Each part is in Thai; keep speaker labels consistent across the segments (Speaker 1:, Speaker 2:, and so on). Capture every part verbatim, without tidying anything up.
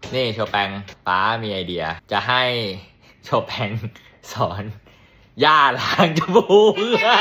Speaker 1: นี่โชแปงป้ามีไอเดีย จะให้โชแปงสอนย่าล้างจมูก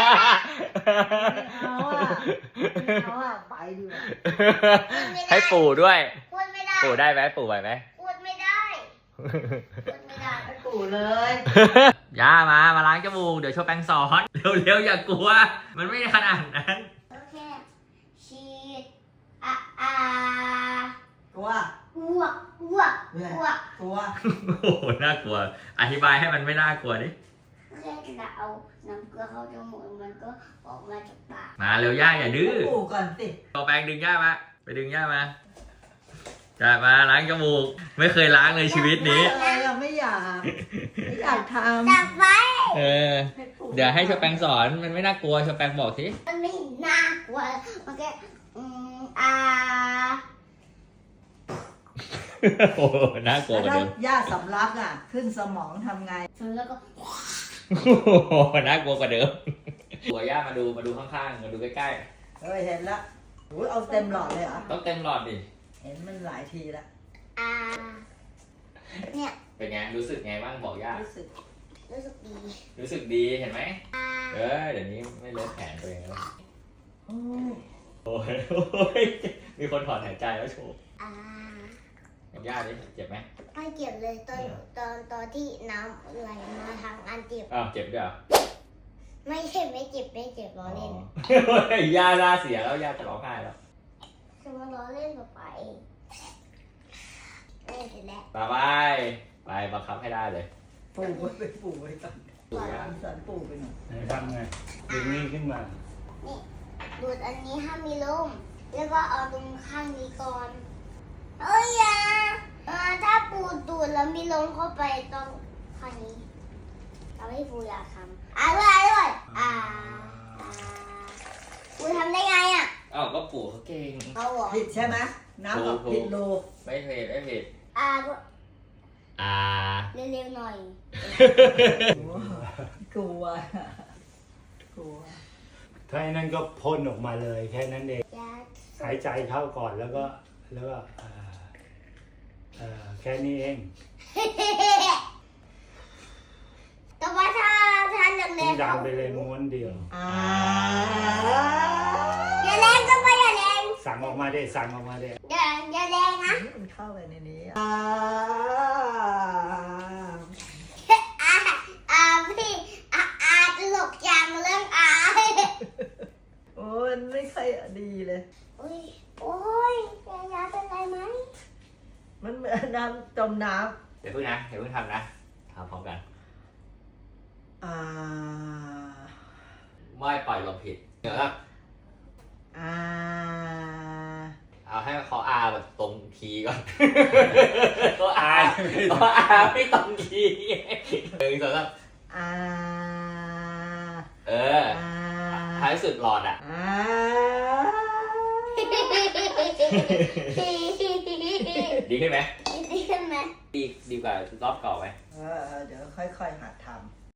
Speaker 2: เอาอ่ะเอาอ่ะไปดีกว่า
Speaker 1: ให้ปู่ด้วย
Speaker 3: พูดไม่ได้
Speaker 1: ปู่ได้ไหมปู่ไหวไหม
Speaker 3: พูดไม่ได้พูดไม่ได้
Speaker 2: ให้ปู่เลย
Speaker 1: ย่ามามาล้างจมูกเดี๋ยวโชแปงสอนเร็วๆอย่ากลัว มันไม่ขนาดนั้น
Speaker 3: โอเคฉีดอ่ะอ่า
Speaker 2: ตัว
Speaker 3: อ้วกอ้วกอ้วก
Speaker 2: ตัว
Speaker 1: โอ้โหน่ากลัว อธิบายให้มันไม่น่ากลัวดิ
Speaker 3: แค่เราเอาน้ำเกลือเข้าจมูกมันก็ออกมาจากปาก
Speaker 1: มาเร็วย่าอย่าดื้อ
Speaker 2: ปู่ก่อนสิ
Speaker 1: โชแปงดึงย่ามาไปดึงย่ามาจะมาล้างจมูกไม่เคยล้างเลยชีวิตนี้
Speaker 2: อะไรอ่ะไม่อยากไม่อยากท
Speaker 3: จับไว้
Speaker 1: เออ
Speaker 2: ำให้ปู่
Speaker 1: เดี๋ยวให้โชแปงสอนมันไม่น่ากลัวโชแปงบอกสิ
Speaker 3: มันไม่น่ากลัวมันแค่อืมอ่า
Speaker 1: โอ้โหน่ากลัวกว่า
Speaker 2: ถ้า
Speaker 1: เดิม
Speaker 2: ย่าสำลักอ่ะ ขึ้นสมองทำไง
Speaker 3: แล้วก็
Speaker 1: โอ้โหน่ากลัวกว่าเดิมตัวย่ามาดูมาดูข้างๆมาดูใกล้
Speaker 2: เฮ้ยเห็นละโอ้ยเอาเต็มหลอดเลยเหรอ
Speaker 1: ๆต้องเต็มหลอดดิ
Speaker 2: เห็นมันหลายทีละ
Speaker 3: อ่าเนี่ย
Speaker 1: เป็นไงรู้สึกไงบ้างบอกย่า
Speaker 2: รู้สึก
Speaker 3: รู้สึกดี
Speaker 1: รู้สึกดีเห็นไหมเออเดี๋ยวนี้ไม่เลอะแขนตัวเองแล้ว
Speaker 2: โอ้ย
Speaker 1: โอ้ยโอ้ยมีคนถอนหายใจแล้วโชว์
Speaker 3: อ่า
Speaker 1: กับย่าดิเจ็บไหม
Speaker 3: ไม่เจ็บเลยตอนตอนตอนที่น้ำไหลมาทางอันเจ็บ
Speaker 1: อ้าวเจ็บด้วยเหรอ
Speaker 3: ไม่เจ็บไม่เจ็บไม่เจ็บล้อเล่น
Speaker 1: อ๋อย่าหน้าเสียแล้วย่าจะร้องไห้แล้ว
Speaker 3: คือมันล้อเล่นกับไปเล่นเสร็จแล้ว
Speaker 1: ไปไปไปบังคับให้ได้เลย
Speaker 2: ปู่ไว้ไปปู่ไว้ก่อน
Speaker 1: ปู่ย่า
Speaker 2: สอนปู่ไปหน่อย
Speaker 4: ไหนทำไงดึงนี้ขึ้นมา
Speaker 3: ดูดอันนี้ห้ามมีลมแล้วก็เอาตรงข้างนี้ก่อนเอ้ยอย่าเออถ้าปูดูดแล้วมีลมเข้าไปตรงข้างนี้ทำให้ปูอยากทำอ่ะด้วยอ่ะด้วยอ่าอ่าปูทำได้ไงอ่ะ
Speaker 1: อ้าวก็ปู่เขาเก่ง
Speaker 3: เขาบอก
Speaker 2: ผิดใช่ไหมน้ำออกผิดโล
Speaker 1: ไม่ผิดไม่ผิด
Speaker 3: อ่าด้วย
Speaker 1: อ่า
Speaker 3: เร็วๆหน่อย
Speaker 2: กลัวกลัว
Speaker 4: ถ้าไอ้นั่นก็พ่นออกมาเลยแค่นั้นเอง
Speaker 3: ยา
Speaker 4: หายใจเข้าก่อนแล้วก็แล้วก็เอ่อเอ่อแค่นี้เอง
Speaker 3: แต่ว่าถ้าถ้าแร
Speaker 4: ทิ้
Speaker 3: ง
Speaker 4: ง
Speaker 3: ๆ
Speaker 4: ดังไปเลยม้วนเดียว
Speaker 2: อ่า
Speaker 3: อย่าแรงก็ไปอย่าแรง
Speaker 4: สั่งออกมาได้สั่งออกมาได้
Speaker 3: อย่าอย่าแรงนะ
Speaker 2: มันเข้าไปในนี้อ่า
Speaker 3: อ่าอ่าพี่อ่าอ่าตลกจังเรื่องอ่า
Speaker 2: โอ้ยไม่ค่อยดีเลย
Speaker 3: โอ้ยโอ้ยยายาเป็นไรไหม
Speaker 2: มันเหมือนน้ำจมน้
Speaker 1: เดี๋ยวเพิ่งนะเดี๋ยวเพิ่งทำนะทำพร้อมกัน
Speaker 2: ำอ่า
Speaker 1: ไม่ปล่อยลมผิดเดี๋ยวครับ
Speaker 2: อ่า
Speaker 1: เอาให้เขาอาแบบตรงคีย์ก่อนเขาอาเขาอาไม่ตรงคีย์หนึ่งสองสาม
Speaker 2: อ่า
Speaker 1: เออ
Speaker 2: อ่า
Speaker 1: ท้ายสุดหลอดอ่ะ
Speaker 2: อ่า
Speaker 1: ดีขึ้นไหม
Speaker 3: ดีขึ้นไหม
Speaker 1: ดีดีกว่ารอบเก่าไหม
Speaker 2: เออเดี๋ยวค่อยๆหัดทำ